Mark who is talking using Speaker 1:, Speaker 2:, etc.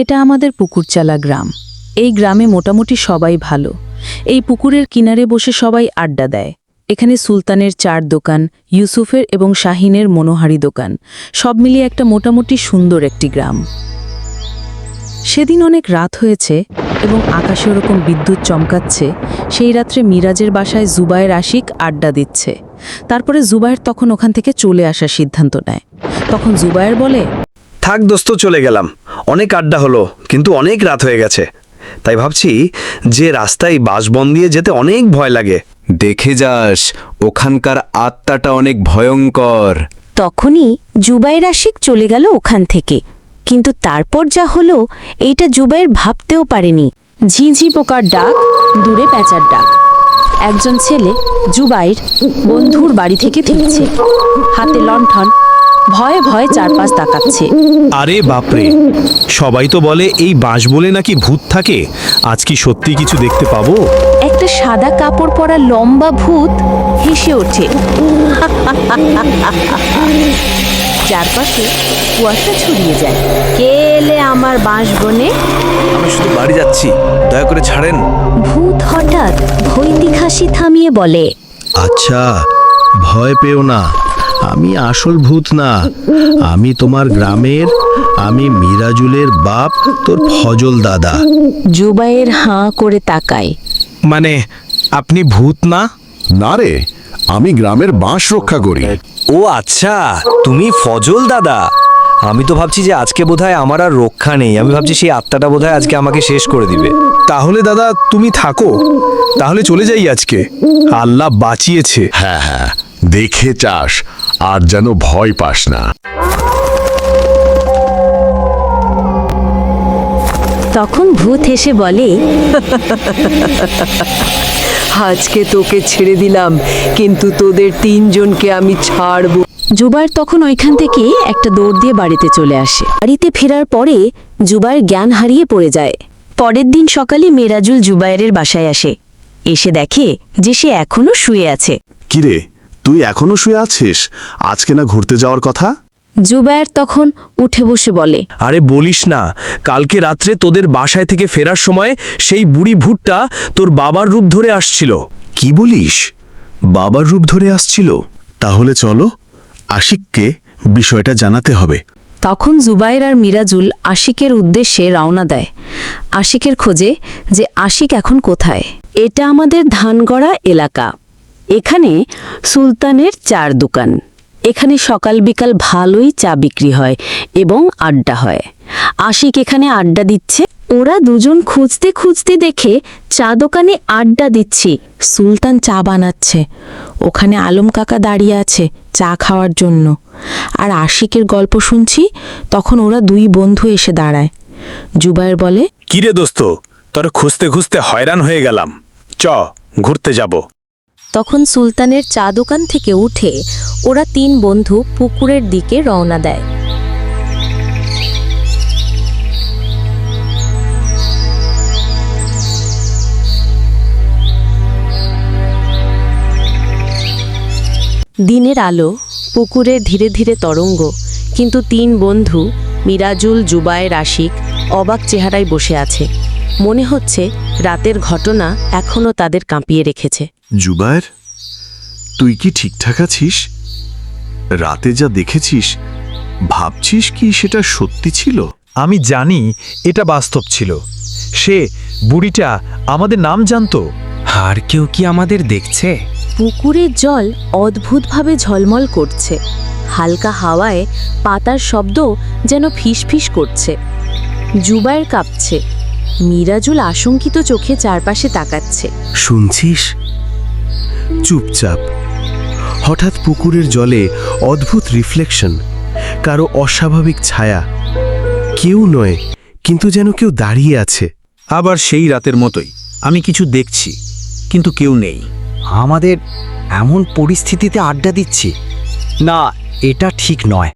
Speaker 1: এটা আমাদের পুকুরচালা গ্রাম। এই গ্রামে মোটামুটি সবাই ভালো। এই পুকুরের কিনারে বসে সবাই আড্ডা দেয়। এখানে সুলতানের চার দোকান, ইউসুফের এবং শাহিনের মনোহারি দোকান, সব মিলিয়ে একটা মোটামুটি সুন্দর একটি গ্রাম। সেদিন অনেক রাত হয়েছে এবং আকাশে ওরকম বিদ্যুৎ চমকাচ্ছে। সেই রাত্রে মিরাজের বাসায় জুবায়ের আশিক আড্ডা দিচ্ছে। তারপরে জুবায়ের তখন ওখান থেকে চলে আসার সিদ্ধান্ত নেয়। তখন জুবায়ের বলে,
Speaker 2: থাক দোস্ত, চলে গেলাম। অনেক আড্ডা হলো, কিন্তু অনেক রাত হয়ে গেছে। তাই ভাবছি যে রাস্তায় বাসবন দিয়ে যেতে অনেক ভয় লাগে।
Speaker 3: দেখে যাস, ওখানকার আত্মাটা অনেক ভয়ঙ্কর।
Speaker 4: তখনই জুবায়ের আশিক চলে গেল ওখান থেকে। কিন্তু তারপর যা হলো এইটা জুবায়ের ভাবতেও পারেনি। ঝিঁঝি পোকার ডাক, দূরে প্যাঁচার ডাক। একজন ছেলে জুবায়ের বন্ধুর বাড়ি থেকে ফিরছে, হাতে লণ্ঠন, ভয়ে ভয়ে চারপাশ তাকাচ্ছে।
Speaker 5: আরে বাপরে, সবাই তো বলে এই বাঁশ বলে নাকি ভূত থাকে। আজ কি সত্যি কিছু দেখতে পাবো?
Speaker 4: একটা সাদা কাপড় পরা লম্বা ভূত হেসে ওঠে। চারপাশে কুয়াশা ছড়িয়ে যায়। কে এলে আমার বাঁশবনে?
Speaker 2: আমি শুধু বাড়ি যাচ্ছি, দয়া করে ছাড়েন।
Speaker 4: ভূত হঠাৎ ভৈতিক হাসি থামিয়ে বলে,
Speaker 5: আচ্ছা, ভয় পেও না, আমি আসল ভূত না। আমি তোমার গ্রামের, আমি মিরাজুলের বাপ, তোর ফজল দাদা।
Speaker 4: জুবায়ের হাঁ করে তাকায়।
Speaker 5: মানে আপনি ভূত না?
Speaker 6: না রে, আমি গ্রামের বাঁশ রক্ষা করি।
Speaker 2: ও আচ্ছা, তুমি ফজল দাদা। আমি তো ভাবছি যে আজকে বোধহয় আমার আর রক্ষা নেই। আমি ভাবছি সেই আত্মাটা বোধহয় আজকে আমাকে শেষ করে দিবে।
Speaker 5: তাহলে দাদা তুমি থাকো, তাহলে চলে যাই আজকে। আল্লাহ বাঁচিয়েছে।
Speaker 6: হ্যাঁ হ্যাঁ, দেখে চাস, আর যেন ভয় পাস না।
Speaker 4: তখন ভূত হেসে বলে,
Speaker 7: আজকে তোকে ছেড়ে দিলাম, কিন্তু তোদের তিনজনকে আমি ছাড়ব।
Speaker 4: জুবায়ের তখন ওইখান থেকে একটা দৌড় দিয়ে বাড়িতে চলে আসে। বাড়িতে ফেরার পরে জুবায়ের জ্ঞান হারিয়ে পড়ে যায়। পরের দিন সকালে মিরাজুল জুবায়েরের বাসায় আসে। এসে দেখে যে সে এখনো শুয়ে আছে।
Speaker 6: কিরে, তুই এখনো শুয়ে আছিস? আজকে না ঘুরতে যাওয়ার কথা?
Speaker 4: জুবায়ের তখন উঠে বসে বলে,
Speaker 2: আরে বলিস না, কালকে রাত্রে তোদের বাসায় থেকে ফেরার সময় সেই বুড়ি ভূতটা তোর বাবার রূপ ধরে আসছিল।
Speaker 5: কি বলিস? বাবার রূপ ধরে আসছিল? তাহলে চলো, আশিককে বিষয়টা জানাতে হবে।
Speaker 1: তখন জুবায়ের আর মিরাজুল আশিকের উদ্দেশ্যে রওনা দেয়। আশিকের খোঁজে যে আশিক এখন কোথায়।
Speaker 4: এটা আমাদের ধানগড়া এলাকা। এখানে সুলতানের চার দোকান। এখানে সকাল বিকাল ভালোই চা বিক্রি হয় এবং আড্ডা হয়। আশিক এখানে আড্ডা দিচ্ছে। ওরা দুজন খুঁজতে খুঁজতে দেখে চা দোকানে আড্ডা দিচ্ছি।
Speaker 1: সুলতান চা বানাচ্ছে। ওখানে আলম কাকা দাঁড়িয়ে আছে চা খাওয়ার জন্য। আর আশিকের গল্প শুনছি। তখন ওরা দুই বন্ধু এসে দাঁড়ায়। জুবায়ের বলে,
Speaker 5: কিরে দোস্ত, তোর খুঁজতে খুঁজতে হয়রান হয়ে গেলাম, চ ঘুরতে যাব।
Speaker 4: তখন সুলতানের চা দোকান থেকে উঠে ওরা তিন বন্ধু পুকুরের দিকে রওনা দেয়। দিনের আলো, পুকুরের ধীরে ধীরে তরঙ্গ, কিন্তু তিন বন্ধু মিরাজুল, জুবায়ের, আশিক অবাক চেহারায় বসে আছে। মনে হচ্ছে রাতের ঘটনা এখনো তাদের কাঁপিয়ে রেখেছে।
Speaker 6: জুবায়ের, তুই কি ঠিকঠাক আছিস? রাতে যা দেখেছিস, ভাবছিস কি সেটা সত্যি ছিল?
Speaker 5: আমি জানি এটা বাস্তব ছিল। সে বুড়িটা আমাদের নাম জানতো।
Speaker 3: আর কেউ কি আমাদের দেখছে?
Speaker 4: পুকুরের জল অদ্ভুতভাবে ঝলমল করছে। হালকা হাওয়ায় পাতার শব্দ যেন ফিসফিস করছে। জুবায়ের কাঁপছে। মিরাজুল আশঙ্কিত চোখে চারপাশে তাকাচ্ছে।
Speaker 5: শুনছিস? চুপচাপ। হঠাৎ পুকুরের জলে অদ্ভুত রিফ্লেকশন, কারো অস্বাভাবিক ছায়া। কেউ নয়, কিন্তু যেন কেউ দাঁড়িয়ে আছে।
Speaker 8: আবার সেই রাতের মতোই আমি কিছু দেখছি, কিন্তু কেউ নেই।
Speaker 9: আমাদের এমন পরিস্থিতিতে আড্ডা দিচ্ছি না, এটা ঠিক নয়।